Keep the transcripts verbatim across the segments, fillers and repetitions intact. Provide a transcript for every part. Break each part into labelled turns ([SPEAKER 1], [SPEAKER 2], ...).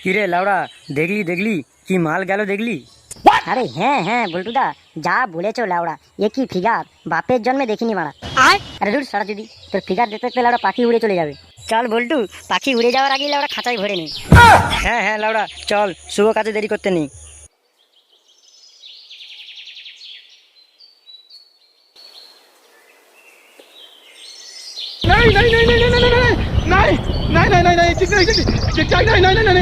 [SPEAKER 1] কিরে লাউড়া, দেখলি দেখলি কি মাল গেল দেখলি?
[SPEAKER 2] আরে হ্যাঁ হ্যাঁ বল্টুদা, যা বলেছো লাউড়া, এ কি ফিগার, বাপের জন্মে দেখিনি মারা। আরে দূর সারা দিদি, তোর ফিগার দেখতে দেখতে লাউড়া পাখি উড়ে চলে যাবে। চল বল্টু, পাখি উড়ে যাওয়ার আগেই লাউড়া খাঁচায় ভরে নি।
[SPEAKER 1] হ্যাঁ হ্যাঁ লাউড়া, চল, শুভ কাজে দেরি করতে নেই।
[SPEAKER 3] नहीं नहीं नहीं नहीं नहीं नहीं नहीं नहीं नहीं नहीं नहीं ठीक नहीं ठीक ठीक नहीं नहीं नहीं नहीं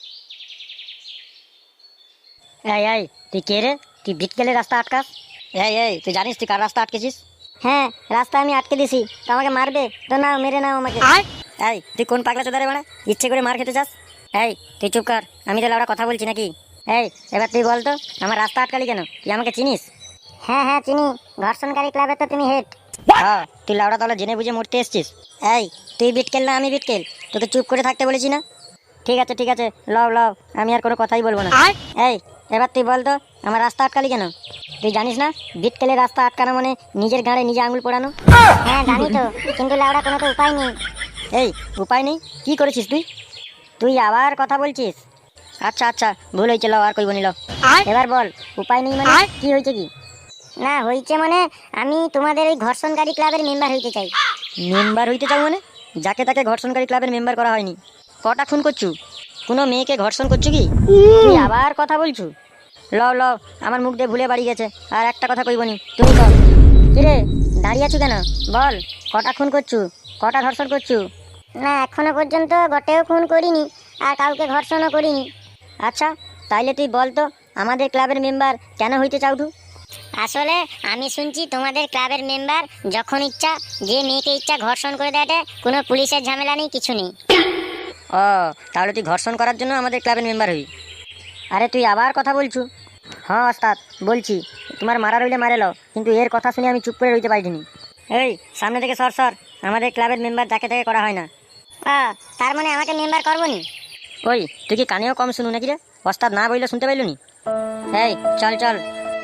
[SPEAKER 2] এই এই তুই কে রে? তুই বিটকেলে রাস্তা আটকাস? এই এই তুই জানিস তুই কার রাস্তা আটকেছিস? হ্যাঁ, রাস্তা আমি আটকে দিছি, তো আমাকে মারবে তো? নাও, মেরে নাও আমাকে। এই তুই কোন পাগলা চোদারে বাড়া, ইচ্ছে করে মার খেতে চাস? এই তুই চুপ কর, আমি তো লাউড়া কথা বলছি নাকি? এই এবার তুই বল তো, আমার রাস্তা আটকালি কেন? তুই আমাকে চিনিস? হ্যাঁ হ্যাঁ চিনি, ঘর্ষণকারী ক্লাবের তো তুমি হেড। হ্যাঁ, তুই লাউড়া তাহলে জেনে বুঝে মরতে এসছিস? এই তুই বিটকেল না আমি বিটকেল, তোকে চুপ করে থাকতে বলেছি না? ঠিক আছে ঠিক আছে, লও লও, আমি আর কোনো কথাই বলবো না। এই এবার তুই বল তো, আমার রাস্তা আটকালি কেন? তুই জানিস না বিটকেলের রাস্তা আটকানো মানে নিজের গাঁড়ে নিজে আঙুল পোড়ানো? হ্যাঁ জানি তো, কিন্তু লাউড়া কোনো তো উপায় নেই। এই উপায় নেই? কি করেছিস তুই? তুই আবার কথা বলছিস? আচ্ছা আচ্ছা, ভুল হয়েছে, লো আর কইব নিল। এবার বল, উপায় নেই মানে কি হয়েছে? কি না হয়েছে মানে, আমি তোমাদের এই ঘর্ষণকারী ক্লাবের মেম্বার হইতে চাই।
[SPEAKER 1] মেম্বার হইতে চাও মানে? যাকে তাকে ঘর্ষণকারী ক্লাবের মেম্বার করা হয়নি। কটা খুন করছু? কোনো মেয়েকে ঘর্ষণ করছু কি?
[SPEAKER 2] তুই আবার কথা বলছু?
[SPEAKER 1] লও লও, আমার মুখ দিয়ে ভুলে বাড়ি গেছে, আর একটা কথা কইবনি। তুমি কও।
[SPEAKER 2] কিরে দাঁড়িয়ে আছো কেন? বল,
[SPEAKER 1] কটা খুন করছু, কটা ধর্ষণ করছু?
[SPEAKER 2] না এখনো পর্যন্ত গটেও খুন করিনি, আর কাউকে ঘর্ষণও করিনি।
[SPEAKER 1] আচ্ছা, তাইলে তুই বল তো, আমাদের ক্লাবের মেম্বার কেন হইতে চাও তু?
[SPEAKER 2] আসলে আমি শুনছি তোমাদের ক্লাবের মেম্বার যখন ইচ্ছা যে মেয়েকে ইচ্ছা ঘর্ষণ করে দেয়, কোনো পুলিশের ঝামেলা নেই, কিছু নেই।
[SPEAKER 1] ও, তাহলে তুই ঘর্ষণ করার জন্য আমাদের ক্লাবের মেম্বার হই? আরে তুই আবার কথা বলছু? হ্যাঁ ওস্তাদ, বলছি, তোমার মারা রইলে মারে লো, কিন্তু এর কথা শুনে আমি চুপ করে রইতে পারিনি। এই সামনে থেকে সর সর, আমাদের ক্লাবের মেম্বার যাকে তাকে করা হয় না।
[SPEAKER 2] আহ, তার মানে আমাকে মেম্বার করবো নি?
[SPEAKER 1] ওই তুই কি কানেও কম শুনু নাকি রে? ওস্তাদ না বললে শুনতে পাইল নি? এই চল চল।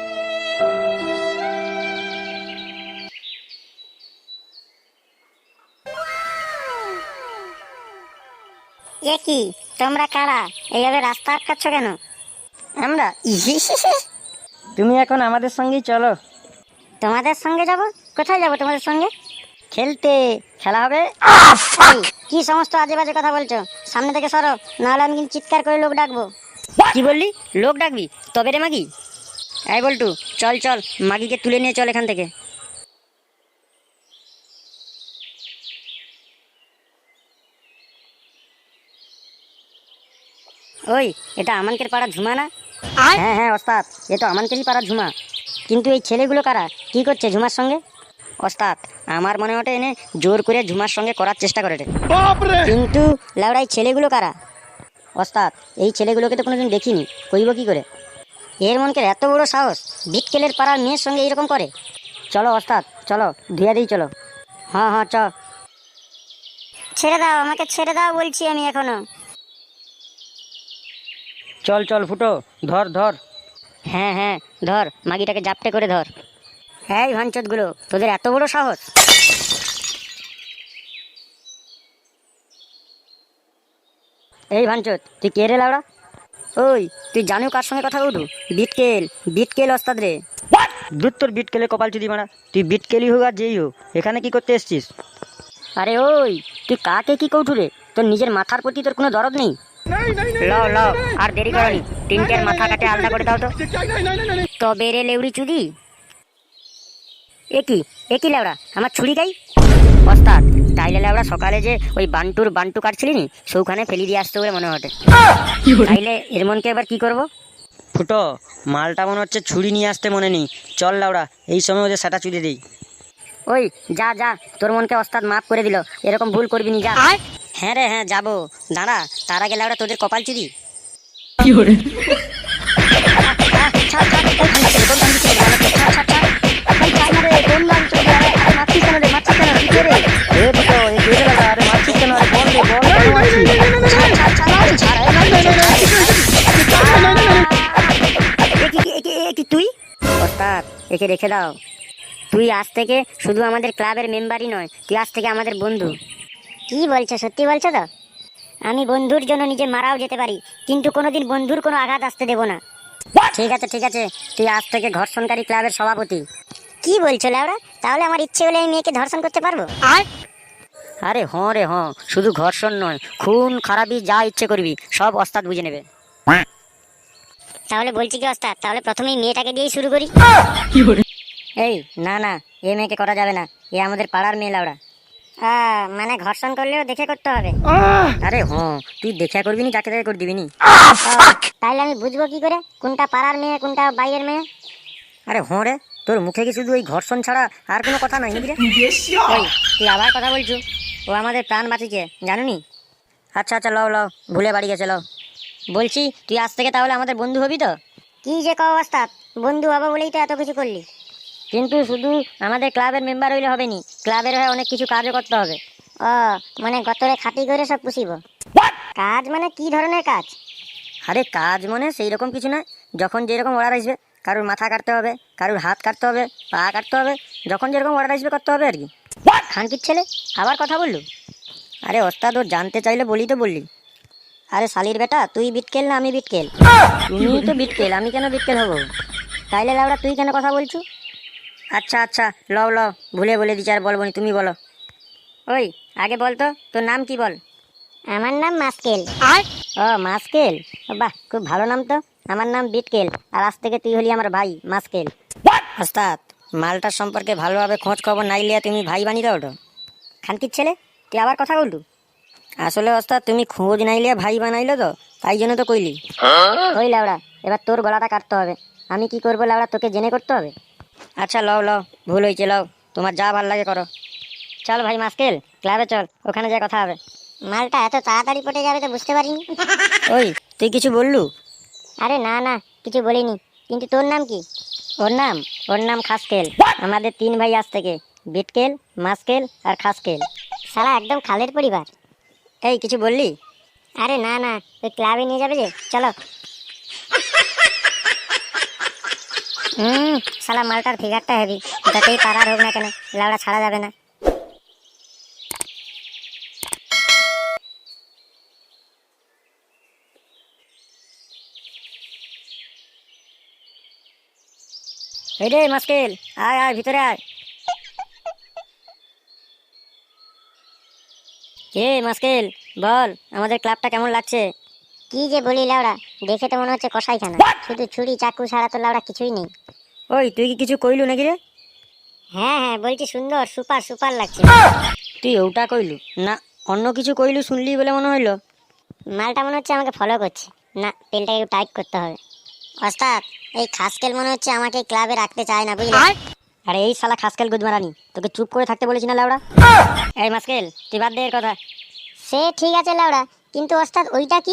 [SPEAKER 2] এ কি, তোমরা কারা? এইভাবে রাস্তা আটকাচ্ছ কেন?
[SPEAKER 1] আমরা তুমি এখন আমাদের সঙ্গেই চলো।
[SPEAKER 2] তোমাদের সঙ্গে যাব? কোথায় যাব তোমাদের সঙ্গে?
[SPEAKER 1] খেলতে, খেলা হবে।
[SPEAKER 2] এই, কি সমস্ত আজে বাজে কথা বলছো? সামনে থেকে সরো, নাহলে আমি কিন্তু চিৎকার করে লোক ডাকবো।
[SPEAKER 1] কি বললি? লোক ডাকবি? তবে রে মাগি। এই বল্টু, চল চল, মাগিকে তুলে নিয়ে চল এখান থেকে। ওই, এটা আমানকের পাড়া ঝুমা না? হ্যাঁ হ্যাঁ ওস্তাদ, এ তো আমানকেরই পাড়া ঝুমা। কিন্তু এই ছেলেগুলো কারা, কি করছে ঝুমার সঙ্গে? ওস্তাদ, আমার মনে ওঠে এনে জোর করে ঝুমার সঙ্গে করার চেষ্টা করে।
[SPEAKER 3] बाप रे
[SPEAKER 1] কিন্তু লাউড়াই ছেলেগুলো কারা? ওস্তাদ, এই ছেলেগুলোকে তো কোনোদিন দেখিনি, কইব কি করে? এর মনকে এত বড় সাহস, বিটকেলের পাড়ার মেয়ের সঙ্গে এরকম করে? চলো ওস্তাদ, চলো ধুয়ে দিই, চলো। হ্যাঁ হ্যাঁ চ।
[SPEAKER 2] ছেড়ে দাও আমাকে, ছেড়ে দাও বলছি আমি এখনো।
[SPEAKER 1] চল চল ফুটো, ধর ধর। হ্যাঁ হ্যাঁ ধর, মাগিটাকে জাপটে করে ধর। হ্যাঁ ভাঞ্চতগুলো, তোদের এত বড় সাহস! এই ভাঞ্চত, তুই কে রে লাউড়া? ওই, তুই জানো কার সঙ্গে কথা বলু? বিটকেল, বিটকেল ওস্তাদ রে। দূর তোর বিটকেলে কপাল চুদি মারা, তুই বিটকেলই হোক আর যেই হোক, এখানে কি করতে এসছিস? আরে ওই, তুই কাকে কি কৌঠু রে? তোর নিজের মাথার প্রতি তোর কোনো দরদ নেই?
[SPEAKER 3] नहीं नहीं नहीं
[SPEAKER 1] লও লও, আর দেরি করনি, তিনটের মাথা কাটে আলাদা করে দাও তো।
[SPEAKER 3] ठीक नहीं नहीं नहीं नहीं
[SPEAKER 1] তবে রে লেউড়ি চুদি। একই একই লেওড়া, আমার ছুরি গাই। ওস্তাদ, তাইলে লেওড়া সকালে যে ওই বান্টুর বান্টু কাটছিলি নি, সেখানে ফেলি দিয়ে আসতে বলে মনে হটে। তাইলে এর মনকে এবার কি করব? ফুটো, মালটা মনে হচ্ছে ছুরি নিয়ে আসতে মনে নেই। চল লাউড়া, এই সময় ওদের সেটা চুড়ে দিই। ওই যা যা, তোর মনকে ওস্তাদ মাফ করে দিল, এরকম ভুল করবি নি, যা। হ্যাঁ রে হ্যাঁ যাবো, দাঁড়া, তার আগে লাউড়া তোদের কপাল চুদি। তুই ওস্তাদ, একে রেখে দাও। তুই আজ থেকে শুধু আমাদের ক্লাবের মেম্বারই নয়, তুই আজ থেকে আমাদের বন্ধু।
[SPEAKER 2] কি বলছো, সত্যি বলছো তো? আমি বন্ধুর জন্য নিজে মারাও যেতে পারি, কিন্তু কোনোদিন বন্ধুর কোনো আঘাত আসতে দেব না।
[SPEAKER 1] ঠিক আছে ঠিক আছে, তুই আজ থেকে ঘর্ষণকারী ক্লাবের সভাপতি।
[SPEAKER 2] কি বলছো লেওড়া? তাহলে আমার ইচ্ছে হলে আমি মেয়েকে ধর্ষণ করতে পারবো?
[SPEAKER 1] আরে হঁ রে হঁ, শুধু ঘর্ষণ নয়, খুন খারাপি যা ইচ্ছে করবি সব ওস্তাদ বুঝে নেবে।
[SPEAKER 2] তাহলে বলছি কি ওস্তাদ, তাহলে প্রথমেই মেয়েটাকে দিয়েই শুরু করি।
[SPEAKER 1] এই না না, এ মেয়েকে করা যাবে না, এ আমাদের পাড়ার মেয়ে লাউড়া।
[SPEAKER 2] আহ, মানে ঘর্ষণ করলেও দেখে করতে হবে?
[SPEAKER 1] আরে হ্যাঁ, তুই দেখা করবি নি, যাকে তাকে করে দিবি নি।
[SPEAKER 2] তাহলে আমি বুঝবো কি করে কোনটা পাড়ার মেয়ে কোনটা বাইরের মেয়ে?
[SPEAKER 1] আরে হ্যাঁ রে, তোর মুখে কি শুধু ওই ঘর্ষণ ছাড়া আর কোনো কথা নাই নাকি রে? ওই তুই আবার কথা বলছু, ও আমাদের প্রাণ বাঁচিয়েছে জানুনি। আচ্ছা আচ্ছা লও লও, ভুলে বাড়ি গেছে লও। বলছি তুই আজ থেকে তাহলে আমাদের বন্ধু হবি তো?
[SPEAKER 2] কি যে কও ওস্তাদ, বন্ধু হবো বলেই তো এত কিছু করলি।
[SPEAKER 1] কিন্তু শুধু আমাদের ক্লাবের মেম্বার হইলে হবে নি, ক্লাবের হয়ে অনেক কিছু কাজও করতে হবে।
[SPEAKER 2] ও মানে গতরে খাটি করে সব পুষিব? কাজ মানে কি ধরনের কাজ?
[SPEAKER 1] আরে কাজ মানে সেই রকম কিছু না, যখন যেরকম অর্ডার আসবে, কারুর মাথা কাটতে হবে, কারুর হাত কাটতে হবে, পা কাটতে হবে, যখন যেরকম অর্ডার আসবে করতে হবে আর কি। খানকির ছেলে আবার কথা বললু? আরে ওস্তাদ ও জানতে চাইলে বলি তো বললি। আরে শালির বেটা, তুই বিটকেল না আমি বিটকেল? তুমি তো বিটকেল, আমি কেন বিটকেল হবো? তাইলে লাউড়া তুই কেন কথা বলছু? আচ্ছা আচ্ছা লও লও, ভুলে বলে দিচ্ছি, আর বলবো নি, তুমি বলো। ওই আগে বল তো, তোর নাম কি বল?
[SPEAKER 2] আমার নাম মাস্কেল।
[SPEAKER 1] ও মাস্কেল, বাহ খুব ভালো নাম তো। আমার নাম বিটকেল, আর আজ থেকে তুই হলি আমার ভাই মাস্কেল। ওস্তাদ, মালটার সম্পর্কে ভালোভাবে খোঁজ খবর নাই লিয়া তুমি ভাই বানিয়ে দাও ওটা। খানকির ছেলে তুই আবার কথা বললু? আসলে ওস্তাদ তুমি খোঁজ নাই লিয়া ভাই বানাইলো তো, তাই জন্য তো কইলি। ওই লাউড়া, এবার তোর গলাটা কাটতে হবে। আমি কি করবো লাউড়া, তোকে জেনে করতে হবে? আচ্ছা লও লও, ভুল হয়েছে লও, তোমার যা ভাল লাগে করো। চল ভাই মাস্কেল, ক্লাবে চল, ওখানে যা কথা হবে।
[SPEAKER 2] মালটা এত তাড়াতাড়ি পটে যাবে তো বুঝতে পারিনি।
[SPEAKER 1] ওই তুই কিছু বললু?
[SPEAKER 2] আরে না না, কিছু বলিনি। কিন্তু তোর নাম কি?
[SPEAKER 1] ওর নাম ওর নাম খাসকেল। আমাদের তিন ভাই আজ থেকে, বিটকেল, মাস্কেল আর খাসকেল।
[SPEAKER 2] শালা একদম খালের পরিবার।
[SPEAKER 1] এই কিছু বললি?
[SPEAKER 2] আরে না না, ওই ক্লাবে নিয়ে যাবে যে, চলো। হুম, শালা মালটার ফিগারটা হেভি, যতই পাড়ার হোক না কেন লাউড়া ছাড়া যাবে না।
[SPEAKER 1] এই রে মাস্কেল, আয় আয় ভিতরে আয়। কে মাস্কেল, বল আমাদের ক্লাবটা কেমন লাগছে?
[SPEAKER 2] কি যে বলি লাউড়া, দেখে তো মনে হচ্ছে কসাইখানা, শুধু ছুরি চাকু ছাড়া তো লাউড়া কিছুই নেই।
[SPEAKER 1] ওই তুই কি কিছু কইলু নাকি রে?
[SPEAKER 2] হ্যাঁ হ্যাঁ বলছি, সুন্দর সুপার সুপার লাগছে।
[SPEAKER 1] তুই ওটা কইলু না অন্য কিছু কইলু শুনলি বলে মনে হইলো?
[SPEAKER 2] মালটা মনে হচ্ছে আমাকে ফলো করছে। না, পেনটাকে একটু টাইট করতে হবে। ওস্তাদ, এই খাসকেল মনে হচ্ছে আমাকে ক্লাবে রাখতে চায় না, বুঝলি?
[SPEAKER 1] আরে এই শালা খাসকেল গুদমারানি, তোকে চুপ করে থাকতে বলেছি না লাউড়া? এই মাস্কেল তুই বাদ দে এর কথা।
[SPEAKER 2] সে ঠিক আছে লাউড়া, কিন্তু ওস্তাদ ওইটা কি?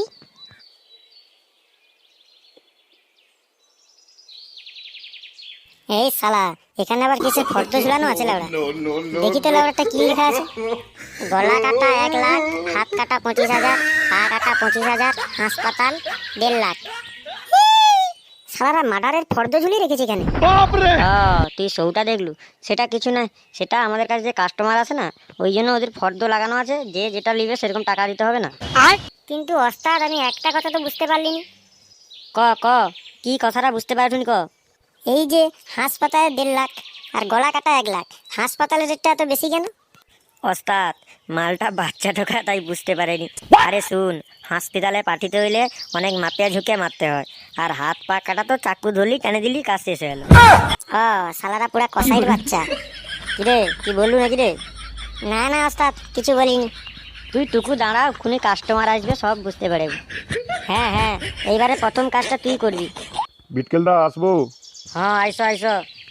[SPEAKER 2] এই শালা, এখানে আবার কিসের ফর্দ ঝুলানো আছে লাউড়া? দেখি তো লাউড়াটা কি লেখা আছে। গলা কাটা এক লাখ, হাত কাটা পঁচিশ হাজার, পা কাটা পঁচিশ হাজার, হাসপাতাল দেড় লাখ। শালারা মার্ডারের ফর্দ ঝুলিয়ে রেখেছে এখানে।
[SPEAKER 3] बाप रे
[SPEAKER 1] ও তুই সৌটা দেখলু? সেটা কিছু নয়, সেটা আমাদের কাছে যে কাস্টমার আছে না, ওই জন্য ওদের ফর্দ লাগানো আছে, যে যেটা নিবে সেরকম টাকা দিতে হবে না।
[SPEAKER 2] কিন্তু ওস্তাদ, আমি একটা কথা তো বুঝতে পারলিনি।
[SPEAKER 1] ক ক কি কথাটা বুঝতে পারছুনি ক?
[SPEAKER 2] এই যে হাসপাতালে দেড় লাখ আর গলা কাটা এক লাখ, হাসপাতালের রেটটা এত বেশি কেন?
[SPEAKER 1] ওস্তাদ, মালটা বাচ্চা ঢোকা তাই বুঝতে পারেনি। আরে শুন, হসপিটালে পাঠিতে হইলে অনেক মাপিয়া ঝুঁকে মারতে হয়, আর হাত পা কাটা তো চাকু ধরলি টেনে দিলি, কাজ শেষ হয়ে গেল।
[SPEAKER 2] ও শালারা পুরা কসাইর বাচ্চা।
[SPEAKER 1] কিরে কি বললু নাকি রে?
[SPEAKER 2] না না ওস্তাদ, কিছু বলিনি।
[SPEAKER 1] তুই টুকু দাঁড়া, খুনি কাস্টমার আসবে সব বুঝতে পারবি। হ্যাঁ হ্যাঁ, এইবারে প্রথম কাজটা তুই করবি।
[SPEAKER 3] বিটকেলদা আসবো?
[SPEAKER 1] হ্যাঁ আইসো আইসো,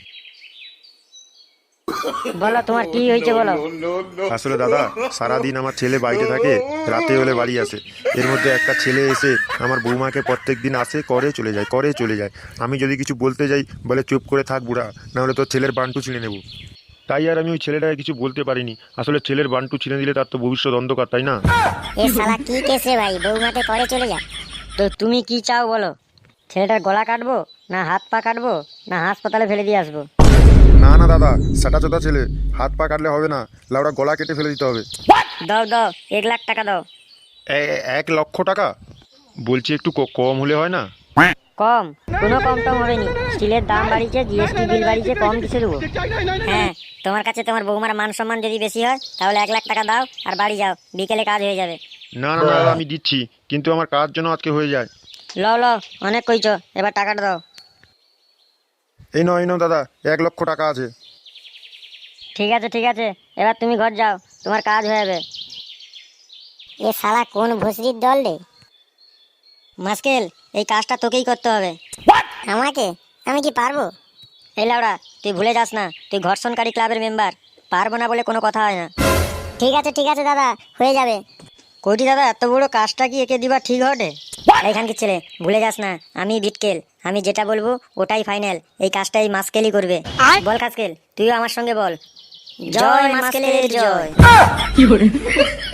[SPEAKER 1] বলো তোমার কি হয়েছে বলো।
[SPEAKER 4] আসলে দাদা, সারাদিন আমার ছেলে বাইরে থাকে, রাতে হলে বাড়ি আসে। এর মধ্যে একটা ছেলে এসে আমার বৌমাকে প্রত্যেক দিন আসে, করে চলে যায়, করে চলে যায়। আমি যদি কিছু বলতে যাই বলে চুপ করে থাক বুড়া, নাহলে তোর ছেলের বান্টু ছিঁড়ে নেব। তাই আর আমি ওই ছেলেটাকে কিছু বলতে পারিনি। আসলে ছেলের বান্টু ছিঁড়ে দিলে তার তো ভবিষ্যৎ অন্ধকার, তাই না?
[SPEAKER 2] এ শালা কি কেসে ভাই, বৌমাতে করে চলে যা।
[SPEAKER 1] তো তুমি কি চাও বলো? ছেলেটার গলা কাটবো, না হাত পা কাটবো, না হাসপাতালে ফেলে দিয়ে আসবো?
[SPEAKER 4] না না দাদা, সেটা চোদা ছেলে, হাত পা কাটলে হবে না, লাউড়া গলা কেটে ফেলে দিতে হবে।
[SPEAKER 1] দাও দাও, এক লাখ টাকা দাও।
[SPEAKER 4] এ- এক লক্ষ টাকা বলছি, একটু ক- কম হলে হয় না?
[SPEAKER 2] কম? কোনো কম টম হবে নি। স্টিলের দাম বাড়িছে, জিএসটি বিল বাড়িছে, কম কিসে দেবো? হ্যাঁ, তোমার কাছে তোমার বৌমার মান সম্মান যদি বেশি হয় তাহলে এক লাখ টাকা দাও আর বাড়ি যাও, বিকেলে কাজ হয়ে যাবে।
[SPEAKER 4] না না না দাদা, আমি দিচ্ছি, কিন্তু আমার কাজ যেন আজকে হয়ে যায়।
[SPEAKER 2] লও লও, অনেক কইছো, এবার টাকাটা দাও।
[SPEAKER 4] এই নাও এই নাও দাদা, এক লক্ষ টাকা আছে।
[SPEAKER 2] ঠিক আছে ঠিক আছে, এবার তুমি ঘর যাও, তোমার কাজ হয়ে যাবে। এ শালা কোন ভুসরির দল রে? মাস্কেল, এই কাজটা তোকেই করতে হবে। আমাকে? আমি কি পারবো? এই লাউড়া, তুই ভুলে যাস না, তুই ঘর্ষণকারী ক্লাবের মেম্বার। পারবো না বলে কোনো কথা হয় না। ঠিক আছে ঠিক আছে দাদা, হয়ে যাবে। কইটি দাদা, এত বড় কাজটা কি একে দিবা ঠিক হবে? এইখানকার ছেলে, ভুলে যাস না, আমি বিটকেল, আমি যেটা বলবো ওটাই ফাইনাল। এই কাজটা এই মাস্কেলই করবে। বল কাস্কেল, তুইও আমার সঙ্গে বল, জয় মাস্কেলের জয়।